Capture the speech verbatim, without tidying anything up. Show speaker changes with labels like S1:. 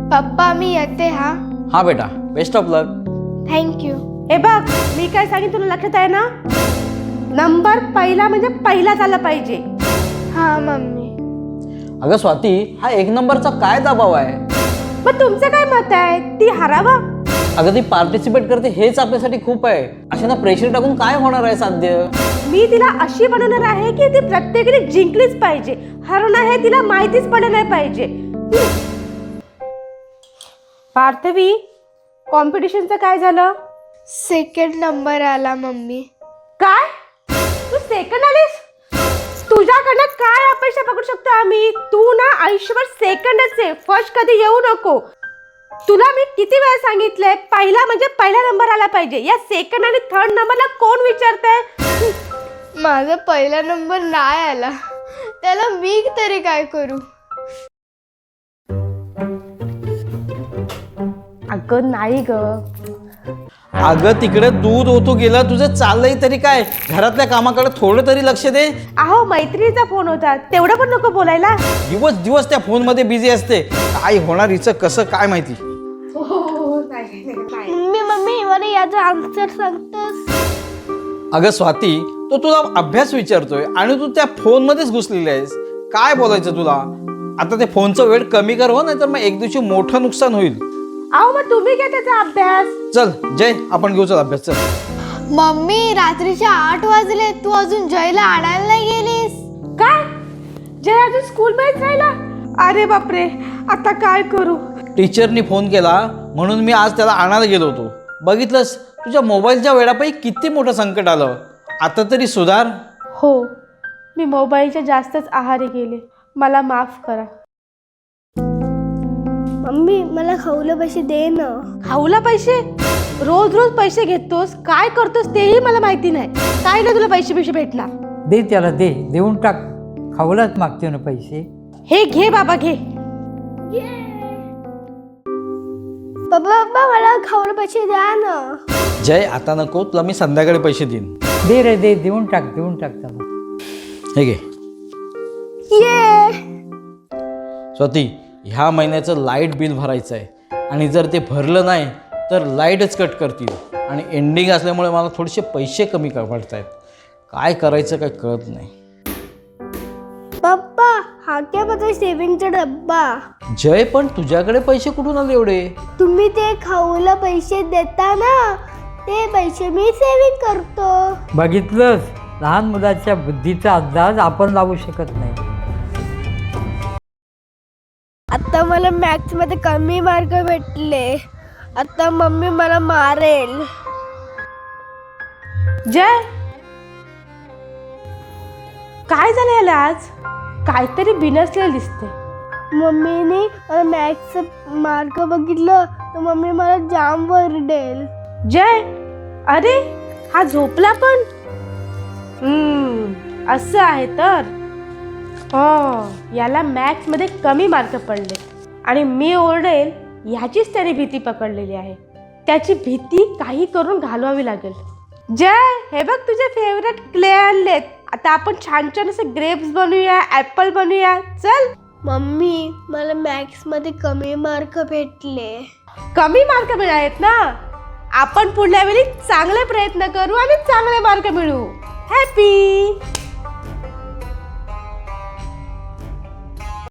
S1: पप्पा मी येते हा.
S2: हा बेटा, बेस्ट ऑफ लक.
S1: थँक्यू.
S3: हे बघ, मी काय सांगितलं तुला लक्षात आहे ना? नंबर पहिला म्हणजे पहिलाच आला पाहिजे.
S1: हा मम्मी.
S2: अगं स्वाती, हा एक नंबरचा काय दबाव आहे?
S3: मग तुमचं काय मत आहे? ती हरावा?
S2: अगं ती पार्टिसिपेट करते हेच आपल्यासाठी खूप आहे. अशा ना प्रेशर टाकून काय होणार आहे साध्य?
S3: मी तिला अशी बनवणार आहे की ती प्रत्येकाने जिंकलीच पाहिजे. हरणं हे तिला माहितीच पडलं नाही पाहिजे. पार्थवी, कॉम्पिटिशनचं काय झालं?
S1: सेकंड नंबर आला मम्मी.
S3: काय? तू सेकंड आलीस? तुझ्याकडनं काय अपेक्षा पकडू शकतो आम्ही? तू ना आयुष्यभर सेकंडच आहे, फर्स्ट कधी येऊ नको. तुला मी किती वेळा सांगितलंय, पहिला म्हणजे पहिला नंबर आला पाहिजे. या सेकंड आणि थर्ड नंबरला कोण विचारतंय?
S1: माझा पहिला नंबर नाही आला, त्याला मी तरी काय करू?
S3: अगं नाही ग.
S2: अगं तिकडे दूध ओतू गेलं, तुझं चाललंय तरी काय? घरातल्या कामाकडे थोडं तरी लक्ष दे.
S3: अहो मैत्रिणीचा फोन होता, तेवढं पण नको बोलायला.
S2: दिवस दिवस त्या फोन मध्ये बिझी असते. काय होणार हिचं कसं काय माहिती.
S1: मम्मी मम्मी मला याचा आन्सर सांगतोस?
S2: अगं स्वाती, तो तुला अभ्यास विचारतोय आणि तू त्या फोन मध्येच घुसलेली आहेस. काय बोलायचं तुला? आता ते फोनचा वेळ कमी कर हो, नाही तर मग एक दिवशी मोठं नुकसान होईल.
S3: अहो मग तुम्ही घ्या त्याचा अभ्यास.
S2: चल जय, आपण घेऊ चल अभ्यास. चल.
S1: मम्मी रात्रीचे आठ वाजले, तू अजून जयला आणायला नाही गेलीस?
S3: काय? जय अजून स्कूल मध्येच राहिला? अरे बापरे, आता काय करू?
S2: टीचरनी फोन केला म्हणून मी आज त्याला आणायला गेलो होतो. बघितलंस, तुझ्या मोबाईलच्या वेळापायी किती मोठं संकट आलं. आता तरी सुधार.
S3: हो, मी मोबाईलच्या जास्तच आहारी गेले, मला माफ करा.
S1: मम्मी मला खाऊला पैसे दे ना.
S3: खाऊला पैसे? रोज रोज पैसे घेतोस, काय करतोस तेही मला माहिती नाही. काय नाही तुला पैसे पैसे भेटणार.
S4: दे त्याला, दे, देऊन टाक. खाऊलाच मागते ना पैसे.
S3: हे घे बाबा, घे.
S1: पप्पा पप्पा मला खाऊला पैसे द्या ना.
S2: जय आता नको, तुला मी संध्याकाळी पैसे देईन.
S4: दे रे दे, देऊन टाक, देऊन टाक त्याला.
S2: हे घे.
S1: ये
S2: स्वाती, ह्या महिन्याचं लाईट बिल भरायचं आहे आणि जर ते भरलं नाही तर लाईटच कट करतील आणि एंडिंग असल्यामुळे मला थोडेसे पैसे कमी पडत आहेत. काय करायचं काय कळत नाही.
S1: पप्पा हा क्या माझा सेविंगचा डब्बा.
S2: जय पण तुझ्याकडे पैसे कुठून आले एवढे?
S1: तुम्ही ते खाऊला पैसे देता ना, ते पैसे मी सेविंग करतो.
S4: बघितलंस, लहान मुलाच्या बुद्धीचा अंदाज आपण लावू शकत नाही.
S1: आता मला मॅथ्स मध्ये कमी मार्क भेटले, आता मम्मी मला मारेल.
S3: जय, काय झालं याला आज? काहीतरी बिनसलेलं दिसते.
S1: मम्मीने मला मॅथ्सचं मार्क बघितलं तर मम्मी मला जाम वरडेल.
S3: जय, अरे हा झोपला पण. हम्म, असं आहे तर. हो, याला मॅथ्स मध्ये कमी मार्क पडले आणि मी ओरडेल ह्याचीच त्याने भीती पकडलेली आहे. त्याची भीती काही करून घालवावी लागेल. जय, हे बघ तुझे फेवरेट क्ले आणलेत. आता आपण छान छान असे ग्रेप्स बनवूया, ऍपल बनवूया. चल.
S1: मम्मी मला मॅथ्स मध्ये कमी मार्क भेटले.
S3: कमी मार्क मिळालेत ना, आपण पुढल्या वेळी चांगले प्रयत्न करू आणि चांगले मार्क मिळवू. हॅपी.